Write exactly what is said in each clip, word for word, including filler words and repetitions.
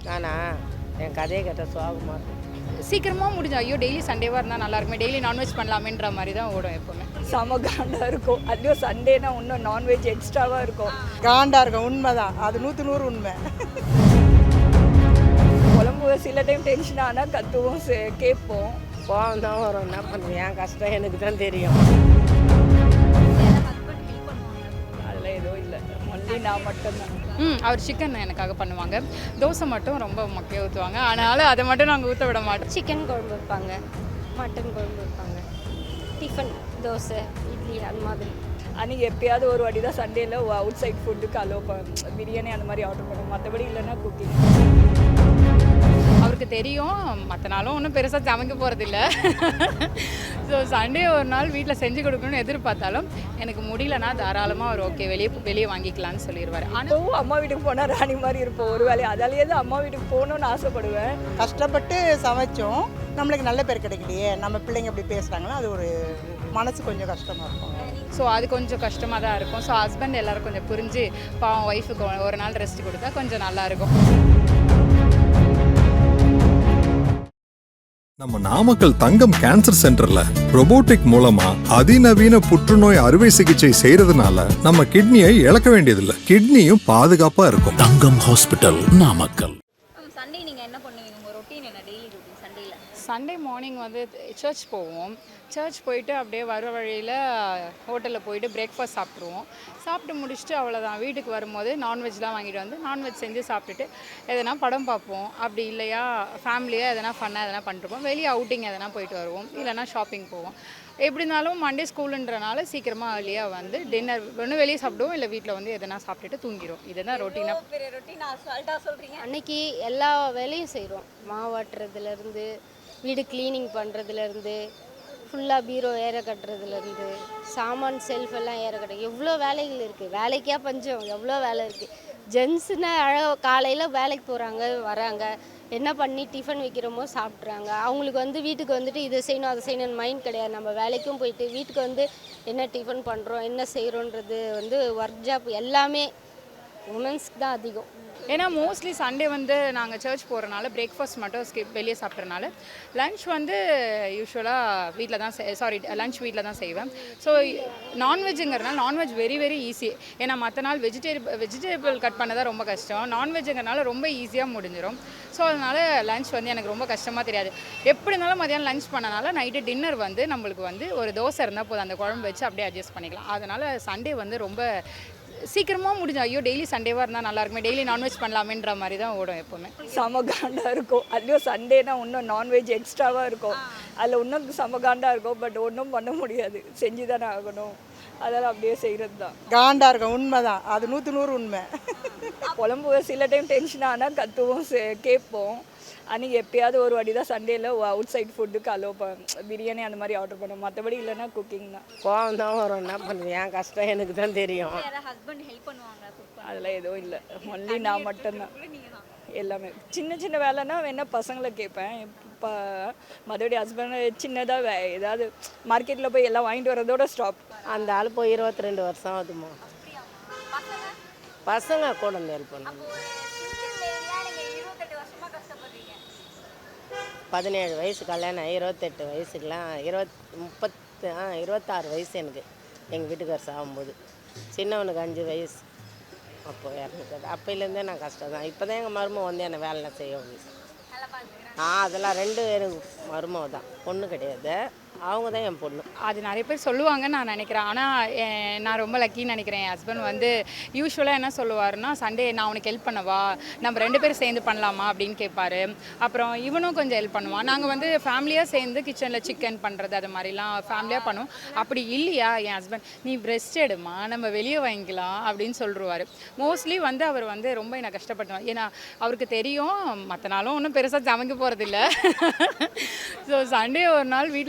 நானா என் கதையை கேட்ட சோகமாக இருக்கும். சீக்கிரமாக முடிஞ்சு ஐயோ டெய்லி சண்டேவாக இருந்தால் நல்லா இருக்குமே, டெய்லி நான்வெஜ் பண்ணலாமேன்ற மாதிரி தான் ஓடும் எப்போவுமே. செம காண்டாக இருக்கும். அதுவும் சண்டேனா இன்னும் நான்வெஜ் எக்ஸ்ட்ராவாக இருக்கும். காண்டாக இருக்கும். உண்மை தான், அது நூற்று நூறு உண்மை. குழம்பு சில டைம் டென்ஷன் ஆனால் கத்துவோம், கேட்போம். கோவம் தான் வரும். என்ன பண்ணுறது, என் கஷ்டம் எனக்கு தான் தெரியும். அதெல்லாம் எதுவும் இல்லை, ஒன்லி நான் மட்டும்தான். ம் அவர் சிக்கன் எனக்காக பண்ணுவாங்க. தோசை மட்டும் ரொம்ப மொக்கையாக ஊற்றுவாங்க, அதனால் அதை மட்டும் நாங்கள் ஊற்ற விட மாட்டோம். சிக்கன் குழம்பு வைப்பாங்க, மட்டன் குழம்பு வைப்பாங்க, டிஃபன் தோசை இட்லி அந்த மாதிரி. அன்றைக்கி எப்பயாவது ஒரு வாட்டி தான் சண்டேயில் அவுட் சைட் ஃபுட்டுக்கு அலோவ் பண்ண பிரியாணி அந்த மாதிரி ஆர்டர் பண்ணுவோம். மற்றபடி இல்லைன்னா குக்கிங். அவருக்கு தெரியும் மற்ற நாளும் ஒன்றும் பெருசாக சமைக்க போகிறதில்ல. ஸோ சண்டே ஒரு நாள் வீட்டில் செஞ்சு கொடுக்கணும்னு எதிர்பார்த்தாலும் எனக்கு முடியலன்னா தாராளமாக அவர் ஓகே வெளியே வெளியே வாங்கிக்கலான்னு சொல்லிடுவார். ஆனால் அம்மா வீட்டுக்கு போனால் ராணி மாதிரி இருப்போம் ஒரு வேலையை. அதாலேயே தான் அம்மா வீட்டுக்கு போகணுன்னு ஆசைப்படுவேன். கஷ்டப்பட்டு சமைச்சோம், நம்மளுக்கு நல்ல பேர் கிடைக்கலையே, நம்ம பிள்ளைங்க இப்படி பேசுகிறாங்களோ அது ஒரு மனசு கொஞ்சம் கஷ்டமாக இருக்கும். ஸோ அது கொஞ்சம் கஷ்டமாக தான் இருக்கும். ஸோ ஹஸ்பண்ட் எல்லோரும் கொஞ்சம் புரிஞ்சு பாவம் ஒய்ஃபுக்கு ஒரு நாள் ரெஸ்ட் கொடுத்தா கொஞ்சம் நல்லாயிருக்கும். நம்ம நாமக்கல் தங்கம் கேன்சர் சென்டர்ல ரோபோட்டிக் மூலமா அதிநவீன புற்றுநோய் அறுவை சிகிச்சை செய்யறதுனால நம்ம கிட்னியை இழக்க வேண்டியதில்லை, கிட்னியும் பாதுகாப்பா இருக்கும். தங்கம் ஹாஸ்பிட்டல், நாமக்கல். சண்டே நீங்கள் என்ன பண்ணுவீங்க? உங்கள் ரொட்டீன் என்ன டெய்லி ரொட்டீன் சண்டேயில்? சண்டே மார்னிங் வந்து சர்ச் போவோம். சர்ச் போயிட்டு அப்படியே வர வழியில் ஹோட்டலில் போயிட்டு பிரேக்ஃபாஸ்ட் சாப்பிட்ருவோம். சாப்பிட்டு முடிச்சுட்டு அவ்வளோதான், வீட்டுக்கு வரும்போது நான்வெஜ்லாம் வாங்கிட்டு வந்து நான்வெஜ் செஞ்சு சாப்பிட்டுட்டு எதனா படம் பார்ப்போம். அப்படி இல்லையா ஃபேமிலியாக எதனா ஃபன்னாக எதனா பண்ணிருப்போம். வெளியே அவுட்டிங் எதனா போயிட்டு வருவோம், இல்லைனா ஷாப்பிங் போவோம். எப்படி இருந்தாலும் மண்டே ஸ்கூலுன்றனால சீக்கிரமாக ஏர்லியாக வந்து டின்னர் ஒன்று வெளியே சாப்பிடுவோம், இல்லை வீட்டில் வந்து எதனா சாப்பிட்டுட்டு தூங்கிடுவோம். இதுதான் ரொட்டீனாக. பெரிய ரொட்டீன் அசால்ட்டாக சொல்கிறீங்க. அன்னைக்கு எல்லா வேலையும் செய்கிறோம். மாவாட்டுறதுலேருந்து வீடு க்ளீனிங் பண்ணுறதுலேருந்து ஃபுல்லாக பீரோ ஏற கட்டுறதுலேருந்து சாமான் செல்ஃப் எல்லாம் ஏற கட்டுற எவ்வளோ வேலைகள் இருக்குது. வேலைக்கே பஞ்சம், எவ்வளோ வேலை இருக்குது. ஜென்ஸுன்னா அழ காலையில் வேலைக்கு போகிறாங்க, வராங்க, என்ன பண்ணி டிஃபன் வைக்கிறோமோ சாப்பிட்றாங்க. அவங்களுக்கு வந்து வீட்டுக்கு வந்துட்டு இதை செய்யணும் அதை செய்யணும்னு மைண்ட் கிடையாது. நம்ம வேலைக்கும் போயிட்டு வீட்டுக்கு வந்து என்ன டிஃபன் பண்ணுறோம் என்ன செய்கிறோன்றது வந்து ஒர்க் ஜாப் எல்லாமே உமன்ஸ்க்கு தான் அதிகம். ஏன்னா மோஸ்ட்லி சண்டே வந்து நாங்கள் சர்ச் போகிறனால பிரேக்ஃபாஸ்ட் மட்டும் ஸ்கிப் வெளியே சாப்பிட்றனால லன்ச் வந்து யூஸ்வலாக வீட்டில் தான் சாரி லன்ச் வீட்டில் தான் செய்வேன். ஸோ நான்வெஜ்ஜுங்கிறனால நான்வெஜ் வெரி வெரி ஈஸி. ஏன்னா மற்ற நாள் வெஜிடேபிள் வெஜிடேபிள் கட் பண்ண தான் ரொம்ப கஷ்டம். நான்வெஜ்ஜுங்கிறனால ரொம்ப ஈஸியாக முடிஞ்சிடும். ஸோ அதனால் லன்ச் வந்து எனக்கு ரொம்ப கஷ்டமாக தெரியாது. எப்படி இருந்தாலும் மதியானம் லன்ச் பண்ணனால நைட்டு டின்னர் வந்து நம்மளுக்கு வந்து ஒரு தோசை இருந்தால் போதும், அந்த குழம்பு வச்சு அப்படியே அட்ஜஸ்ட் பண்ணிக்கலாம். அதனால் சண்டே வந்து ரொம்ப சீக்கிரமாக முடிஞ்சு ஐயோ டெய்லி சண்டேவாக இருந்தால் நல்லா இருக்குமே, டெய்லி நான்வெஜ் பண்ணலாமேன்ற மாதிரி தான் ஓடும் எப்போவுமே. செம காண்டாக இருக்கும். அதுவும் சண்டேனா இன்னும் நான்வெஜ் எக்ஸ்ட்ராவாக இருக்கும். அதில் இன்னும் செம காண்டாக இருக்கும். பட் ஒன்றும் பண்ண முடியாது, செஞ்சு தானே ஆகணும். அதெல்லாம் அப்படியே செய்கிறது தான். காண்டாக இருக்கும். உண்மை தான், அது நூற்று நூறு உண்மை. குழம்பு சில டைம் டென்ஷன் ஆனால் கத்துவோம், கேட்போம். அன்றைக்கி எப்பயாவது ஒரு வாட்டி தான் சண்டேயில் அவுட் சைட் ஃபுட்டுக்கு அலோவ் பண்ண பிரியாணி அந்த மாதிரி ஆர்டர் பண்ணுவோம். மற்றபடி இல்லைன்னா குக்கிங் தான். கோவம் தான் வரும். என்ன பண்ணுறது, என் கஷ்டம் எனக்கு தான் தெரியும். ஹஸ்பண்ட் ஹெல்ப் பண்ணுவாங்க? அதெல்லாம் எதுவும் இல்லை, ஒன்லி நான் மட்டும்தான். எல்லாமே சின்ன சின்ன வேலைன்னா வேணா பசங்களை கேட்பேன். இப்போ மறுபடி ஹஸ்பண்ட் சின்னதாக வே ஏதாவது மார்க்கெட்டில் போய் எல்லாம் வாங்கிட்டு வரதோட ஸ்டாப். அந்த ஆள் போய் இருபத்தி ரெண்டு வருஷம் ஆகுதுமா. பசங்க கூட வந்து ஹெல்ப் பண்ணுவாங்க. பதினேழு வயசு கல்யாணம், இருபத்தெட்டு வயசுக்கெலாம் இருபத் முப்பத்து ஆ இருபத்தாறு வயசு எனக்கு எங்கள் வீட்டுக்கார் சாகும்போது. சின்னவனுக்கு அஞ்சு வயசு அப்போது இறந்துக்காது. அப்போலேருந்தே நான் கஷ்டம் தான். இப்போ தான் எங்கள் மருமக வந்து என்னை வேலை செய்ய ஆ அதெல்லாம் ரெண்டு எனக்கு மருமக தான், பொண்ணு கிடையாது. அவங்க தான் என் பொண்ணு. அது நிறைய பேர் சொல்லுவாங்கன்னு நான் நினைக்கிறேன். ஆனால் நான் ரொம்ப லக்கின்னு நினைக்கிறேன். என் ஹஸ்பண்ட் வந்து யூஸ்வலாக என்ன சொல்லுவாருன்னா, சண்டே நான் உனக்கு ஹெல்ப் பண்ணவா, நம்ம ரெண்டு பேரும் சேர்ந்து பண்ணலாமா அப்படின்னு கேட்பாரு. அப்புறம் இவனும் கொஞ்சம் ஹெல்ப் பண்ணுவான். நாங்கள் வந்து ஃபேமிலியாக சேர்ந்து கிச்சனில் சிக்கன் பண்ணுறது அது மாதிரிலாம் ஃபேமிலியாக பண்ணுவோம். அப்படி இல்லையா என் ஹஸ்பண்ட் நீ ரெஸ்ட் எடுமா, நம்ம வெளியே வாங்கிக்கலாம் அப்படின்னு சொல்லிடுவார். மோஸ்ட்லி வந்து அவர் வந்து ரொம்ப என்னை கஷ்டப்படுவார். ஏன்னா அவருக்கு தெரியும் மற்ற நாளும் ஒன்றும் பெருசாக சமைக்க போகிறதில்ல. ஸோ சண்டே ஒரு நாள் வீட்டில் செஞ்சு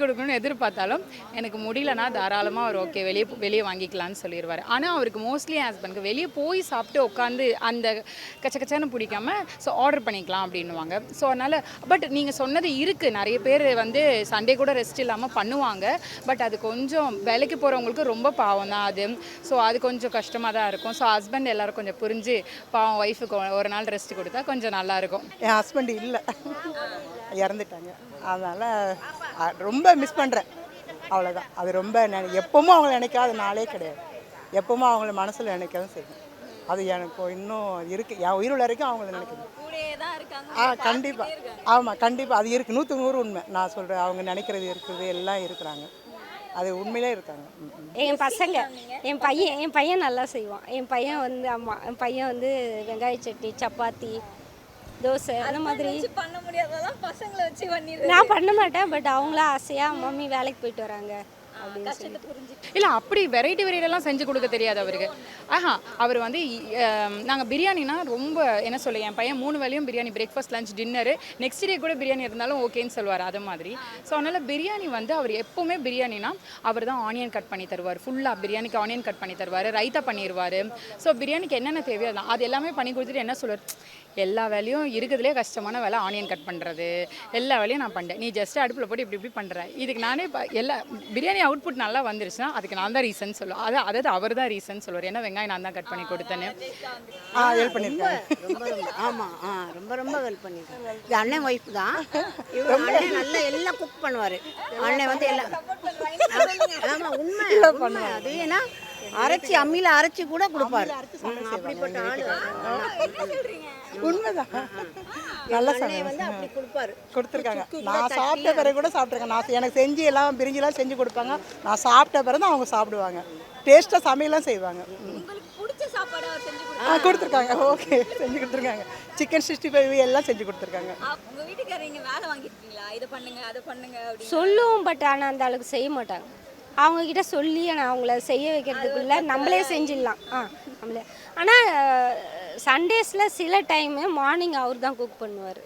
கொடுக்கணும்னு எதிர்பார்த்தாலும் எனக்கு முடியலன்னா தாராளமாக அவர் ஓகே வெளியே வெளியே வாங்கிக்கலாம்னு சொல்லிடுவார். ஆனால் அவருக்கு மோஸ்ட்லி என் ஹஸ்பண்டுக்கு வெளியே போய் சாப்பிட்டு உட்காந்து அந்த கச்ச கச்சன்னு பிடிக்காம ஸோ ஆர்டர் பண்ணிக்கலாம் அப்படின்னுவாங்க. ஸோ அதனால் பட் நீங்கள் சொன்னது இருக்குது, நிறைய பேர் வந்து சண்டே கூட ரெஸ்ட் இல்லாமல் பண்ணுவாங்க. பட் அது கொஞ்சம் வேலைக்கு போகிறவங்களுக்கு ரொம்ப பாவம் தான் அது. ஸோ அது கொஞ்சம் கஷ்டமாக தான் இருக்கும். ஸோ ஹஸ்பண்ட் எல்லோரும் கொஞ்சம் புரிஞ்சு பாவம் ஒய்ஃபுக்கு ஒரு நாள் ரெஸ்ட் கொடுத்தா கொஞ்சம் நல்லாயிருக்கும். என் ஹஸ்பண்ட் இல்லை, இறந்துட்டாங்க. அதனால் ரொம்ப மிஸ் பண்ணுறேன், அவ்வளோதான். அது ரொம்ப நினை எப்பவும் அவங்கள நினைக்காத நாளே கிடையாது. எப்பவும் அவங்கள மனசில் நினைக்கவும் செய்யும். அது எனக்கு இன்னும் இருக்குது, என் உயிர் வரைக்கும் அவங்கள நினைக்கணும். ஆ கண்டிப்பாக, ஆமாம் கண்டிப்பாக அது இருக்குது, நூற்றுக்கு நூறு உண்மை நான் சொல்கிறேன். அவங்க நினைக்கிறது இருக்குது, எல்லாம் இருக்கிறாங்க, அது உண்மையிலே இருக்காங்க. என் பசங்க என் பையன் என் பையன் நல்லா செய்வான். என் பையன் வந்து ஆமாம் என் பையன் வந்து வெங்காய சட்னி, சப்பாத்தி, தோசை அந்த மாதிரி பண்ண முடியாததான் பசங்களை வச்சு பண்ணிடுறேன். நான் பண்ண மாட்டேன். பட் அவங்களா ஆசையாக மம்மி வேலைக்கு போயிட்டு வராங்க அப்படின்னு சொல்லி இல்லை அப்படி வெரைட்டி வெரைட்டிலாம் செஞ்சு கொடுக்க தெரியாது அவருக்கு. ஆஹா அவர் வந்து நாங்கள் பிரியாணினா ரொம்ப என்ன சொல்ல, என் பையன் மூணு வேலையும் biryani, breakfast, lunch, dinner, next day கூட பிரியாணி இருந்தாலும் ஓகேன்னு சொல்லுவார். அது மாதிரி ஸோ அதனால் பிரியாணி வந்து அவர் எப்போவுமே பிரியாணினா அவர் தான் ஆனியன் கட் பண்ணி தருவார். ஃபுல்லாக பிரியாணிக்கு ஆனியன் கட் பண்ணி தருவார், ரைத்தா பண்ணிடுவார். ஸோ பிரியாணிக்கு என்னென்ன தேவையோ தான் அது எல்லாமே பண்ணி கொடுத்துட்டு என்ன சொல்லுவார், எல்லா வேலையும் இருக்கிறதுலே கஷ்டமான வேலை ஆனியன் கட் பண்ணுறது, எல்லா வேலையும் நான் பண்ணிட்டேன், நீ ஜஸ்ட் அடுப்பில் போட்டு இப்படி இப்படி பண்ணுறேன். இதுக்கு நானே எல்லா பிரியாணி அவுட்புட் நல்லா வந்துருச்சுன்னா அதுக்கு நான் தான் ரீசன் சொல்லுவேன். அது அதாவது அவர் தான் ரீசன் சொல்லுவார். ஏன்னா வெங்காயம் நான் தான் கட் பண்ணி கொடுத்தேன்னு. ஆ ஹெல்ப் பண்ணியிருக்கேன். ரொம்ப ரொம்ப ஆமாம் ஆ ரொம்ப ரொம்ப ஹெல்ப் பண்ணியிருக்கேன். இது அண்ணன் ஒய்ஃப் தான். இவர் அண்ணன் நல்லா எல்லாம் குக் பண்ணுவார். அண்ணன் வந்து எல்லாம் ஆமாம் உண்மை உண்மை. அது ஏன்னா அரைச்சி அம்மியில் அரைச்சி கூட கொடுப்பாரு. அப்படிப்பட்ட ஆள் உண்மைதான். நல்லா வந்து அப்படி கொடுப்பாரு, கொடுத்துருக்காங்க. நான் சாப்பிட்ட பிறகு கூட சாப்பிட்ருக்கேன். நான் எனக்கு செஞ்சு எல்லாம் பிரிஞ்சுலாம் செஞ்சு கொடுப்பாங்க. நான் சாப்பிட்ட பிறகு தான் அவங்க சாப்பிடுவாங்க. டேஸ்ட்டாக சமையலாம் செய்வாங்க. ஆ கொடுத்துருக்காங்க, ஓகே செஞ்சு கொடுத்துருக்காங்க. சிக்கன் சிக்ஸ்டி ஃபைவ் எல்லாம் செஞ்சு கொடுத்துருக்காங்க. உங்கள் வீட்டுக்காரங்க வேலை வாங்கியிருக்கீங்களா, இதை பண்ணுங்க அதை பண்ணுங்க அப்படின்னு சொல்லுவோம். பட் ஆனால் அந்த அளவுக்கு செய்ய மாட்டாங்க. அவங்கக்கிட்ட சொல்லி நான் அவங்கள செய்ய வைக்கிறதுக்குள்ள நம்மளே செஞ்சிடலாம். ஆ நம்மளே. ஆனால் சண்டேஸில் சில டைமு மார்னிங் அவர் தான் குக் பண்ணுவார்.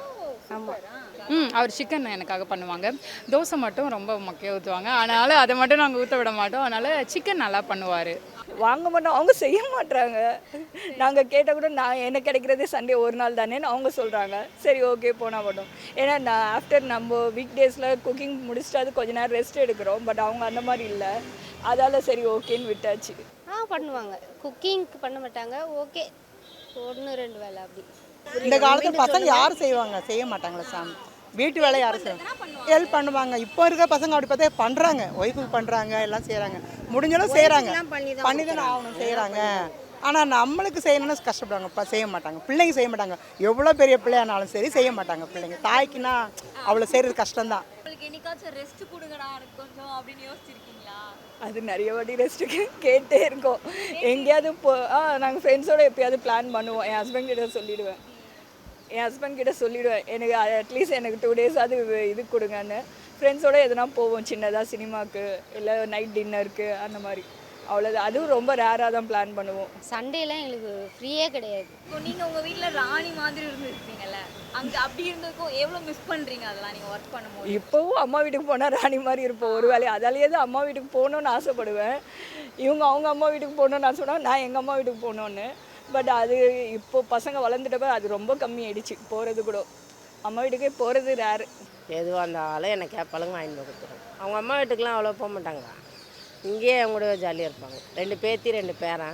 ஆமாம். ம் அவர் சிக்கன் எனக்காக பண்ணுவாங்க. தோசை மட்டும் ரொம்ப மொக்கையாக ஊற்றுவாங்க, அதனால் அதை மட்டும் நாங்கள் ஊற்ற விட மாட்டோம். அதனால் சிக்கன் நல்லா பண்ணுவார். வாங்க மாட்டோம், அவங்க செய்ய மாட்டாங்க. நாங்கள் கேட்டால் கூட நான் எனக்கு கிடைக்கிறதே சண்டே ஒரு நாள் தானேன்னு அவங்க சொல்கிறாங்க. சரி ஓகே போனால் மாட்டோம். ஏன்னா நான் ஆஃப்டர் நம்ம வீக் டேஸில் குக்கிங் முடிச்சுட்டு அது கொஞ்ச நேரம் ரெஸ்ட் எடுக்கிறோம். பட் அவங்க அந்த மாதிரி இல்லை, அதால் சரி ஓகேன்னு விட்டாச்சு. ஆ பண்ணுவாங்க, குக்கிங்க்கு பண்ண மாட்டாங்க. ஓகே ஒன்று ரெண்டு வேலை அப்படி. இந்த காலத்தில் பசங்க யாரும் செய்வாங்க, செய்ய மாட்டாங்களா சாமி. வீட்டு வேலை யாரும் செய்வாங்க, ஹெல்ப் பண்ணுவாங்க. இப்போ இருக்க பசங்க அப்படி பார்த்தா பண்ணுறாங்க, ஒய்ஃபுக்கு பண்ணுறாங்க, எல்லாம் செய்கிறாங்க. முடிஞ்சாலும் செய்கிறாங்க, பண்ணி தானே ஆகணும், செய்கிறாங்க. ஆனால் நம்மளுக்கு செய்யணும்னு கஷ்டப்படுவாங்க, இப்போ செய்ய மாட்டாங்க. பிள்ளைங்க செய்ய மாட்டாங்க, எவ்வளோ பெரிய பிள்ளையானாலும் சரி செய்ய மாட்டாங்க பிள்ளைங்க. தாய்க்குன்னா அவ்வளோ செய்கிறது கஷ்டம்தான். ரெஸ்ட் கொடுங்கடா கொஞ்சம் அப்படின்னு யோசிச்சிருக்கீங்களா? அது நிறைய வாட்டி ரெஸ்ட்டுக்கு கேட்டே இருக்கோம். எங்கேயாவது போ ஆ நாங்கள் ஃப்ரெண்ட்ஸோடு எப்போயாவது பிளான் பண்ணுவோம். என் ஹஸ்பண்ட் கிட்ட சொல்லிவிடுவேன் என் ஹஸ்பண்ட் கிட்ட சொல்லிவிடுவேன் எனக்கு அட்லீஸ்ட் எனக்கு டூ டேஸ் அது இது கொடுங்கன்னு. ஃப்ரெண்ட்ஸோடு எதுனா போவோம், சின்னதாக சினிமாவுக்கு இல்லை நைட் டின்னருக்கு அந்த மாதிரி. அவ்வளோதான், அதுவும் ரொம்ப ரேராக தான் பிளான் பண்ணுவோம். சண்டேலாம் எங்களுக்கு ஃப்ரீயே கிடையாது. இப்போ நீங்கள் உங்கள் வீட்டில் ராணி மாதிரி இருந்துருப்பீங்கல்ல, அங்கே அப்படி இருந்ததுக்கும் எவ்வளோ மிஸ் பண்ணுறீங்க அதெல்லாம் நீங்கள் ஒர்க் பண்ணும்போது? இப்போவும் அம்மா வீட்டுக்கு போனால் ராணி மாதிரி இருப்போம் ஒரு வேலையை. அதாலேயே தான் அம்மா வீட்டுக்கு போகணுன்னு ஆசைப்படுவேன். இவங்க அவங்க அம்மா வீட்டுக்கு போகணுன்னு ஆசைப்படுவாங்க, நான் எங்கள் அம்மா வீட்டுக்கு போகணுன்னு. பட் அது இப்போது பசங்க வளர்ந்துட்டப்ப அது ரொம்ப கம்மி ஆயிடுச்சு போகிறது கூட. அம்மா வீட்டுக்கே போகிறது ரேரு. எதுவாக இருந்தாலும் எனக்கு கேப்பாளுங்க வாங்கிட்டு போய் கொடுத்துருவோம். அவங்க அம்மா வீட்டுக்கெலாம் அவ்வளோ போக மாட்டாங்க, இங்கேயே அவங்க கூட ஜாலியாக இருப்பாங்க. ரெண்டு பேத்தி ரெண்டு பேரன்,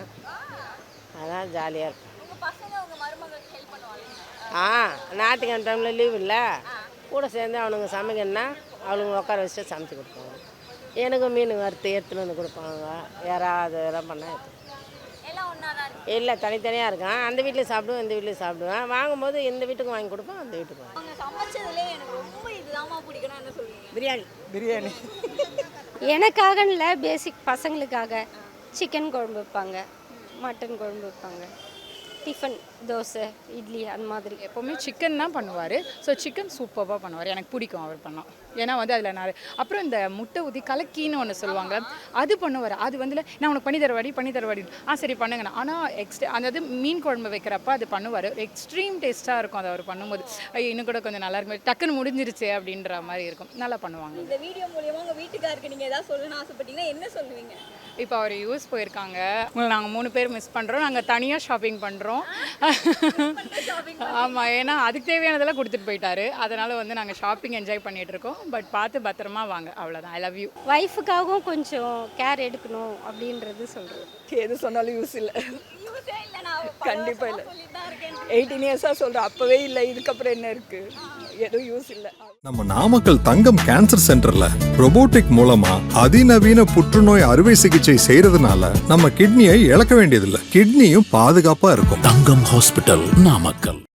அதான் ஜாலியாக இருக்கும். ஆ ஞாயிற்றுக்கிழமை டைமில் லீவ் இல்லை, கூட சேர்ந்து அவனுங்க சமைக்கணுன்னா அவளுங்க உட்கார வச்சுட்டு சமைச்சு கொடுப்பாங்க. எனக்கு மீன் வறுத்து எடுத்துன்னு வந்து கொடுப்பாங்க. யாராவது இதெல்லாம் பண்ணால் எடுத்து இல்லை தனித்தனியாக இருக்கான். அந்த வீட்லேயும் சாப்பிடுவேன், இந்த வீட்லேயும் சாப்பிடுவேன். வாங்கும்போது இந்த வீட்டுக்கு வாங்கி கொடுப்பேன், அந்த வீட்டுக்கு வாங்கி. பிரியாணி பிரியாணி எனக்காக இல்லை, பேசிக் பசங்களுக்காக சிக்கன் குழம்பு வைப்பாங்க, மட்டன் குழம்பு வைப்பாங்க, டிஃபன் தோசை இட்லி அந்த மாதிரி. எப்போவுமே சிக்கன் தான் பண்ணுவார். ஸோ சிக்கன் சூப்பராக பண்ணுவார், எனக்கு பிடிக்கும் அவர் பண்ணோம். ஏன்னா வந்து அதில் நான் அப்புறம் இந்த முட்டை ஊற்றி கலக்கின்னு ஒன்று சொல்லுவாங்க, அது பண்ணுவார். அது வந்து நான் உனக்கு பண்ணி தரவாடி பண்ணி தரவாடி ஆ சரி பண்ணுங்கண்ணா. ஆனால் எக்ஸ்ட்ரா அதாவது மீன் குழம்பு வைக்கிறப்ப அது பண்ணுவார். எக்ஸ்ட்ரீம் டேஸ்ட்டாக இருக்கும் அது அவர் பண்ணும்போது. ஐயோ இன்னும் கூட கொஞ்சம் நல்லா இருக்கும், டக்குன்னு முடிஞ்சிருச்சு அப்படின்ற மாதிரி இருக்கும். நல்லா பண்ணுவாங்க. இந்த வீடியோ மூலியமா உங்க வீட்டுக்காருக்கு நீங்க ஏதாவது சொல்லணும்னு ஆசைப்பட்டீங்கன்னா என்ன சொல்லுவீங்க? இப்போ அவர் யூஎஸ் போயிருக்காங்க, உங்களை நாங்கள் மூணு பேர் மிஸ் பண்ணுறோம். நாங்கள் தனியாக ஷாப்பிங் பண்ணுறோம். ஆமாம், ஏன்னா அதுக்கு தேவையானதெல்லாம் கொடுத்துட்டு போயிட்டாரு. அதனால் வந்து நாங்கள் ஷாப்பிங் என்ஜாய் பண்ணிகிட்டு இருக்கோம். பட் பார்த்து பத்திரமா வாங்க, அவ்வளோதான். I love you. ஒய்ஃபுக்காகவும் கொஞ்சம் கேர் எடுக்கணும் அப்படின்றது சொல்கிறேன். எது சொன்னாலும் யூஸ் இல்லை, யூஸே இல்ல, நான் கண்டிப்பாக இல்லை. சொல்லிட்டு தான் இருக்கேன். எயிட்டீன் இயர்ஸாக சொல்கிறேன், அப்போவே இல்லை, இதுக்கப்புறம் என்ன இருக்குது, எதுவும் யூஸ் இல்லை. நம்ம நாமக்கல் தங்கம் கேன்சர் சென்டர்ல robotic மூலமா அதிநவீன புற்றுநோய் அறுவை சிகிச்சை செய்யறதுனால நம்ம கிட்னியை இழக்க வேண்டியதில்லை. கிட்னியும் பாதுகாப்பா இருக்கும். தங்கம் ஹாஸ்பிட்டல், நாமக்கல்.